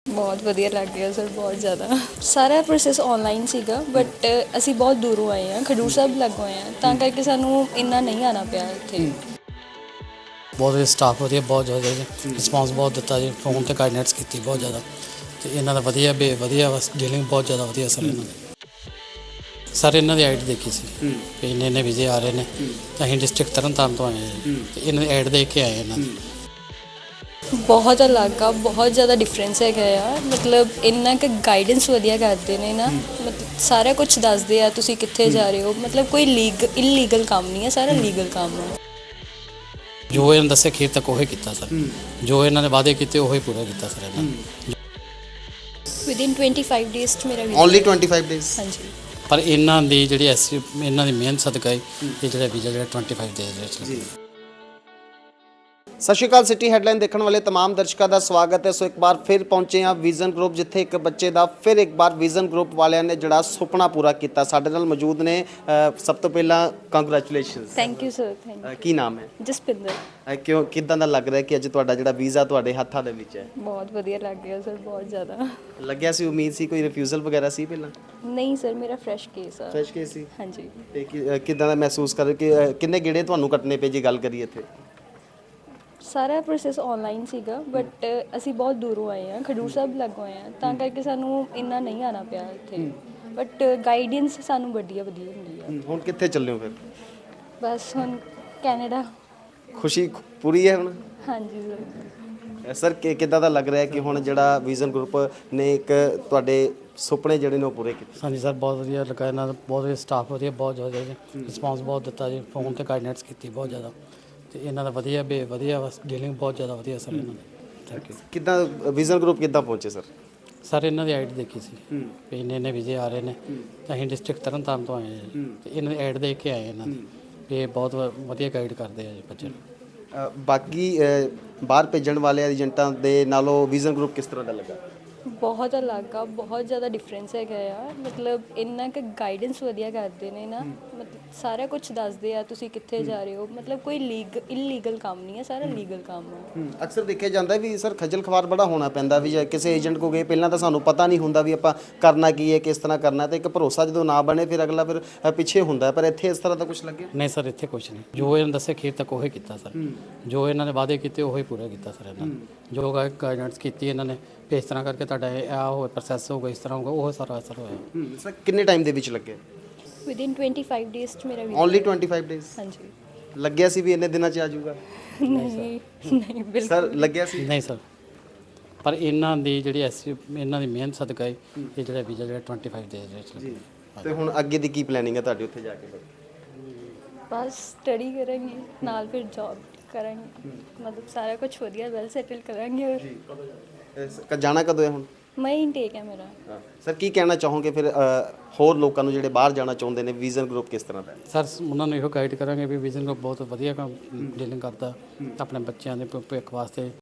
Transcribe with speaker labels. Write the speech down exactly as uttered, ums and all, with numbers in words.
Speaker 1: ਬਹੁਤ ਵਧੀਆ ਲੱਗ ਰਿਹਾ ਸਰ, ਬਹੁਤ ਜ਼ਿਆਦਾ। ਸਾਰਾ ਪ੍ਰੋਸੈਸ ਆਨਲਾਈਨ ਸੀਗਾ, ਬਟ ਅਸੀਂ ਬਹੁਤ ਦੂਰੋਂ ਆਏ ਹਾਂ, ਖਡੂਰ ਸਾਹਿਬ ਲੱਗੋਂ ਆਏ ਹਾਂ, ਤਾਂ ਕਰਕੇ ਸਾਨੂੰ ਇੰਨਾ ਨਹੀਂ ਆਉਣਾ ਪਿਆ ਇੱਥੇ।
Speaker 2: ਬਹੁਤ ਵਧੀਆ ਸਟਾਫ, ਵਧੀਆ ਬਹੁਤ ਜ਼ਿਆਦਾ ਰਿਸਪੌਂਸ ਬਹੁਤ ਦਿੱਤਾ ਜੀ, ਫੋਨ 'ਤੇ ਗਾਈਡਨੈਂਸ ਕੀਤੀ ਬਹੁਤ ਜ਼ਿਆਦਾ, ਅਤੇ ਇਹਨਾਂ ਦਾ ਵਧੀਆ ਬੇ ਵਧੀਆ ਬਸ ਡੀਲਿੰਗ ਬਹੁਤ ਜ਼ਿਆਦਾ ਵਧੀਆ ਸਰ ਇਹਨਾਂ ਦੀ। ਸਰ ਇਹਨਾਂ ਦੀ ਐਡ ਦੇਖੀ ਸੀ ਵੀ ਇੰਨੇ ਇੰਨੇ ਵੀਜ਼ੇ ਆ ਰਹੇ ਨੇ, ਤਾਂ ਅਸੀਂ ਡਿਸਟ੍ਰਿਕਟ ਤਰਨ ਤਾਰਨ ਤੋਂ ਆਏ ਹਾਂ ਜੀ, ਅਤੇ ਇਹਨਾਂ ਦੀ ਐਡ ਦੇਖ ਕੇ ਆਏ ਇਹਨਾਂ ਦੀ।
Speaker 1: ਬਹੁਤ ਅਲੱਗ ਆ, ਬਹੁਤ ਜ਼ਿਆਦਾ ਡਿਫਰੈਂਸ ਹੈਗਾ ਆ। ਮਤਲਬ ਇੰਨਾ ਕੁ ਗਾਈਡੈਂਸ ਵਧੀਆ ਕਰਦੇ ਨੇ ਨਾ, ਮਤਲਬ ਸਾਰਾ ਕੁਝ ਦੱਸਦੇ ਆ ਤੁਸੀਂ ਕਿੱਥੇ ਜਾ ਰਹੇ ਹੋ। ਮਤਲਬ ਕੋਈ ਲੀਗ ਇਲੀਗਲ ਕੰਮ ਨਹੀਂ ਹੈ, ਸਾਰਾ ਲੀਗਲ ਕੰਮ ਹੈ।
Speaker 2: ਜੋ ਇਹਨਾਂ ਦੱਸਿਆ ਖੀਰ ਤੱਕ ਉਹੀ ਕੀਤਾ ਸਰ, ਜੋ ਇਹਨਾਂ ਨੇ ਵਾਅਦੇ ਕੀਤੇ ਉਹੀ ਪੂਰਾ ਕੀਤਾ ਸਰ ਇਹਨਾਂ ਨੇ।
Speaker 1: ਵਿਦਿਨ ਟਵੈਂਟੀ ਫਾਈਵ ਡੇਜ਼ 'ਚ ਮੇਰਾ
Speaker 3: ਓਨਲੀ ਟਵੈਂਟੀ ਫਾਈਵ ਡੇਜ਼।
Speaker 1: ਹਾਂਜੀ,
Speaker 2: ਪਰ ਇਹਨਾਂ ਦੀ ਜਿਹੜੀ ਐਸ ਇਹਨਾਂ ਦੀ ਮਿਹਨਤ ਸਦਕਾ ਹੀ ਇਹ ਜਿਹੜਾ ਵੀਜ਼ਾ ਜਿਹੜਾ ਟਵੈਂਟੀ ਫਾਈਵ ਡੇਜ਼ ਦੇ ਵਿੱਚ
Speaker 3: ਜੀ। ਸਤਿ ਸ਼੍ਰੀ ਅਕਾਲ, ਸਿਟੀ ਹੈਡਲਾਈਨ ਦੇਖਣ ਵਾਲੇ तमाम ਦਰਸ਼ਕਾਂ ਦਾ ਸਵਾਗਤ ਹੈ। ਸੋ ਇੱਕ ਵਾਰ ਫਿਰ ਪਹੁੰਚੇ ਹਾਂ ਵਿਜ਼ਨ ਗਰੁੱਪ, ਜਿੱਥੇ ਇੱਕ ਬੱਚੇ ਦਾ ਫਿਰ ਇੱਕ ਵਾਰ ਵਿਜ਼ਨ ਗਰੁੱਪ ਵਾਲਿਆਂ ਨੇ ਜਿਹੜਾ ਸੁਪਨਾ ਪੂਰਾ ਕੀਤਾ। ਸਾਡੇ ਨਾਲ ਮੌਜੂਦ ਨੇ। ਸਭ ਤੋਂ ਪਹਿਲਾਂ congratulations.
Speaker 1: Thank you sir. Thank you.
Speaker 3: ਕੀ ਨਾਮ ਹੈ?
Speaker 1: ਜਸਪਿੰਦਰ।
Speaker 3: ਅ, ਕਿਉਂ ਕਿੱਦਾਂ ਦਾ ਲੱਗ ਰਿਹਾ ਕਿ ਅੱਜ ਤੁਹਾਡਾ ਜਿਹੜਾ ਵੀਜ਼ਾ ਤੁਹਾਡੇ ਹੱਥਾਂ ਦੇ ਵਿੱਚ ਹੈ?
Speaker 1: ਬਹੁਤ ਵਧੀਆ ਲੱਗ ਰਿਹਾ ਸਰ, ਬਹੁਤ ਜ਼ਿਆਦਾ।
Speaker 3: ਲੱਗਿਆ ਸੀ, ਉਮੀਦ ਸੀ, ਕੋਈ ਰਿਫਿਊਜ਼ਲ ਵਗੈਰਾ ਸੀ ਪਹਿਲਾਂ?
Speaker 1: ਨਹੀਂ ਸਰ, ਮੇਰਾ ਫਰੈਸ਼ ਕੇਸ ਆ।
Speaker 3: ਫਰੈਸ਼ ਕੇਸ ਸੀ।
Speaker 1: ਹਾਂਜੀ।
Speaker 3: ਤੇ ਕਿ- ਅ, ਕਿੱਦਾਂ ਦਾ ਮਹਿਸੂਸ ਕਰ ਕਿ ਅ, ਕਿੰਨੇ ਗੇੜੇ ਤੁਹਾਨੂੰ ਕੱਟਣੇ ਪਏ ਜੇ ਗੱਲ ਕਰੀਏ ਇੱਥੇ?
Speaker 1: ਸਾਰਾ ਪ੍ਰੋਸੈਸ ਆਨਲਾਈਨ ਸੀਗਾ, ਬਟ ਅਸੀਂ ਬਹੁਤ ਦੂਰੋਂ ਆਏ ਹਾਂ, ਖਡੂਰ ਸਾਹਿਬ ਲੱਗੋਂ ਆਏ ਹਾਂ, ਤਾਂ ਕਰਕੇ ਸਾਨੂੰ ਇੰਨਾ ਨਹੀਂ ਆਉਣਾ ਪਿਆ ਇੱਥੇ। ਬਟ ਗਾਈਡੈਂਸ ਸਾਨੂੰ ਵਧੀਆ ਵਧੀਆ ਹੁੰਦੀ ਆ।
Speaker 3: ਹੁਣ ਕਿੱਥੇ ਚੱਲੇ ਹੋ ਫਿਰ?
Speaker 1: ਬਸ ਹੁਣ ਕੈਨੇਡਾ।
Speaker 3: ਖੁਸ਼ੀ ਪੂਰੀ ਹੈ ਹੁਣ?
Speaker 1: ਹਾਂਜੀ ਸਰ।
Speaker 3: ਸਰ ਕਿ ਕਿੱਦਾਂ ਦਾ ਲੱਗ ਰਿਹਾ ਕਿ ਹੁਣ ਜਿਹੜਾ ਵਿਜ਼ਨ ਗਰੁੱਪ ਨੇ ਇੱਕ ਤੁਹਾਡੇ ਸੁਪਨੇ ਜਿਹੜੇ ਨੇ ਉਹ ਪੂਰੇ ਕੀਤੇ?
Speaker 2: ਹਾਂਜੀ ਸਰ, ਬਹੁਤ ਵਧੀਆ ਲੱਗਾ ਇਹਨਾਂ ਦਾ, ਬਹੁਤ ਵਧੀਆ ਸਟਾਫ, ਵਧੀਆ ਬਹੁਤ ਜ਼ਿਆਦਾ ਰਿਸਪੌਂਸ ਬਹੁਤ ਦਿੱਤਾ ਜੀ, ਫੋਨ 'ਤੇ ਗਾਈਡਨੈਂਸ ਕੀਤੀ ਬਹੁਤ ਜ਼ਿਆਦਾ, ਅਤੇ ਇਹਨਾਂ ਦਾ ਵਧੀਆ ਬੇ ਵਧੀਆ ਬਸ ਡੀਲਿੰਗ ਬਹੁਤ ਜ਼ਿਆਦਾ ਵਧੀਆ ਸਰ ਇਹਨਾਂ ਦੀ। Thank you.
Speaker 3: ਕਿੱਦਾਂ ਵਿਜ਼ਨ ਗਰੁੱਪ ਕਿੱਦਾਂ ਪਹੁੰਚੇ ਸਰ?
Speaker 2: ਸਰ ਇਹਨਾਂ ਦੀ ਐਡ ਦੇਖੀ ਸੀ ਵੀ ਇੰਨੇ ਇੰਨੇ ਵੀਜ਼ੇ ਆ ਰਹੇ ਨੇ, ਤਾਂ ਅਸੀਂ ਡਿਸਟ੍ਰਿਕਟ ਤਰਨ ਤਾਰਨ ਤੋਂ ਆਏ ਹਾਂ ਜੀ, ਅਤੇ ਇਹਨਾਂ ਦੀ ਐਡ ਦੇਖ ਕੇ ਆਏ ਇਹਨਾਂ ਦੀ ਵੀ ਇਹ ਬਹੁਤ ਵ- ਵਧੀਆ ਗਾਈਡ ਕਰਦੇ ਆ ਜੀ ਬੱਚੇ ਨੂੰ।
Speaker 3: ਅ, ਬਾਕੀ ਅ, ਬਾਹਰ ਭੇਜਣ ਵਾਲੇ ਏਜੰਟਾਂ ਦੇ ਨਾਲੋਂ ਵਿਜ਼ਨ ਗਰੁੱਪ ਕਿਸ ਤਰ੍ਹਾਂ ਦਾ ਲੱਗਾ?
Speaker 1: ਬਹੁਤ ਅਲੱਗ ਆ, ਬਹੁਤ ਜ਼ਿਆਦਾ ਡਿਫਰੈਂਸ ਹੈਗਾ ਆ। ਮਤਲਬ ਇੰਨਾ ਕੁ ਗਾਈਡੈਂਸ ਵਧੀਆ ਕਰਦੇ ਨੇ ਨਾ, ਮਤਲਬ ਸਾਰਾ ਕੁਝ ਦੱਸਦੇ ਆ ਤੁਸੀਂ ਕਿੱਥੇ ਜਾ ਰਹੇ ਹੋ। ਮਤਲਬ ਕੋਈ ਲੀਗ ਇਲੀਗਲ ਕੰਮ ਨਹੀਂ ਹੈ, ਸਾਰਾ ਲੀਗਲ ਕੰਮ ਹੈ।
Speaker 3: ਅਕਸਰ ਦੇਖਿਆ ਜਾਂਦਾ ਵੀ ਸਰ ਖੱਜਲ ਖਵਾਰ ਬੜਾ ਹੋਣਾ ਪੈਂਦਾ ਵੀ ਜੇ ਕਿਸੇ ਏਜੰਟ ਕੋ ਗਏ ਪਹਿਲਾਂ ਤਾਂ ਸਾਨੂੰ ਪਤਾ ਨਹੀਂ ਹੁੰਦਾ ਵੀ ਆਪਾਂ ਕਰਨਾ ਕੀ ਹੈ, ਕਿਸ ਤਰ੍ਹਾਂ ਕਰਨਾ, ਤੇ ਇੱਕ ਭਰੋਸਾ ਜਦੋਂ ਨਾ ਬਣੇ ਫਿਰ ਅਗਲਾ ਫਿਰ ਅ, ਪਿੱਛੇ ਹੁੰਦਾ। ਪਰ ਇੱਥੇ ਇਸ ਤਰ੍ਹਾਂ ਦਾ ਕੁਝ ਲੱਗਿਆ?
Speaker 2: ਨਹੀਂ ਸਰ, ਇੱਥੇ ਕੁਛ ਨਹੀਂ, ਜੋ ਇਹਨਾਂ ਦੱਸਿਆ ਖੀਰ ਤੱਕ ਉਹੀ ਕੀਤਾ ਸਰ, ਜੋ ਇਹਨਾਂ ਨੇ ਵਾਅਦੇ ਕੀਤੇ ਉਹੀ ਪੂਰਾ ਕੀਤਾ ਸਰ ਇਹਨਾਂ ਨੇ, ਜੋ ਗਾਈਡਨੈਂਸ ਕੀਤੀ ਇਹਨਾਂ ਨੇ ਵੀ ਇਸ ਤਰ੍ਹਾਂ ਕਰਕੇ ਤੁਹਾਡਾ ਇਹ ਆ ਹੋ ਪ੍ਰੋਸੈਸ ਹੋਊਗਾ, ਇਸ ਤਰ੍ਹਾਂ ਹੋਊਗਾ, ਉਹ ਸਾਰਾ ਅਸਰ ਹੋਇਆ।
Speaker 3: ਸਰ ਕਿੰਨੇ ਟਾਈਮ ਦੇ ਵਿੱਚ ਲੱਗੇ?
Speaker 1: ਵਿਦਿਨ ਟਵੈਂਟੀ ਫਾਈਵ ਡੇਜ਼ 'ਚ ਮੇਰਾ
Speaker 3: ਓਨਲੀ ਟਵੈਂਟੀ ਫਾਈਵ ਡੇਜ਼।
Speaker 1: ਹਾਂਜੀ।
Speaker 3: ਲੱਗਿਆ ਸੀ ਵੀ ਇੰਨੇ ਦਿਨਾਂ 'ਚ ਆ ਜਾਊਗਾ?
Speaker 1: ਨਹੀਂ ਨਹੀਂ ਬਿਲਕੁਲ।
Speaker 3: ਸਰ ਲੱਗਿਆ ਸੀ?
Speaker 2: ਨਹੀਂ ਸਰ, ਪਰ ਇਹਨਾਂ ਦੀ ਜਿਹੜੀ ਐਸ ਇਹਨਾਂ ਦੀ ਮਿਹਨਤ ਸਦਕਾ ਹੀ ਇਹ ਜਿਹੜਾ ਵੀਜ਼ਾ ਜਿਹੜਾ ਟਵੈਂਟੀ ਫਾਈਵ ਡੇਜ਼ ਦੇ ਵਿੱਚ
Speaker 3: ਜੀ। ਤੇ ਹੁਣ ਅੱਗੇ ਦੀ ਕੀ ਪਲੈਨਿੰਗ ਹੈ ਤੁਹਾਡੀ ਉੱਥੇ ਜਾ ਕੇ?
Speaker 1: ਬਸ ਸਟੱਡੀ ਕਰਾਂਗੇ ਨਾਲ, ਫਿਰ ਜੌਬ ਕਰਾਂਗੇ, ਮਤਲਬ ਸਾਰਾ ਕੁਝ ਵਧੀਆ ਵੈਲ ਸੈਟਲ ਕਰਾਂਗੇ। ਔਰ
Speaker 3: ਕ- ਜਾਣਾ ਕਦੋਂ ਹੈ ਹੁਣ?
Speaker 1: ਮੈਂ ਇਨਟੇਕ ਹੈ ਮੇਰਾ।
Speaker 3: ਸਰ ਕੀ ਕਹਿਣਾ ਚਾਹੋਗੇ ਫਿਰ ਅ, ਹੋਰ ਲੋਕਾਂ ਨੂੰ ਜਿਹੜੇ ਬਾਹਰ ਜਾਣਾ ਚਾਹੁੰਦੇ ਨੇ, ਵਿਜ਼ਨ ਗਰੁੱਪ ਕਿਸ ਤਰ੍ਹਾਂ ਦਾ ਹੈ?
Speaker 2: ਸਰ ਉਹਨਾਂ ਨੂੰ ਇਹੋ ਗਾਈਡ ਕਰਾਂਗੇ ਵੀ ਵਿਜ਼ਨ ਗਰੁੱਪ ਬਹੁਤ ਵਧੀਆ ਕੰਮ ਡੀਲਿੰਗ ਕਰਦਾ ਆਪਣੇ ਬੱਚਿਆਂ ਦੇ ਭਵਿੱਖ ਵਾਸਤੇ।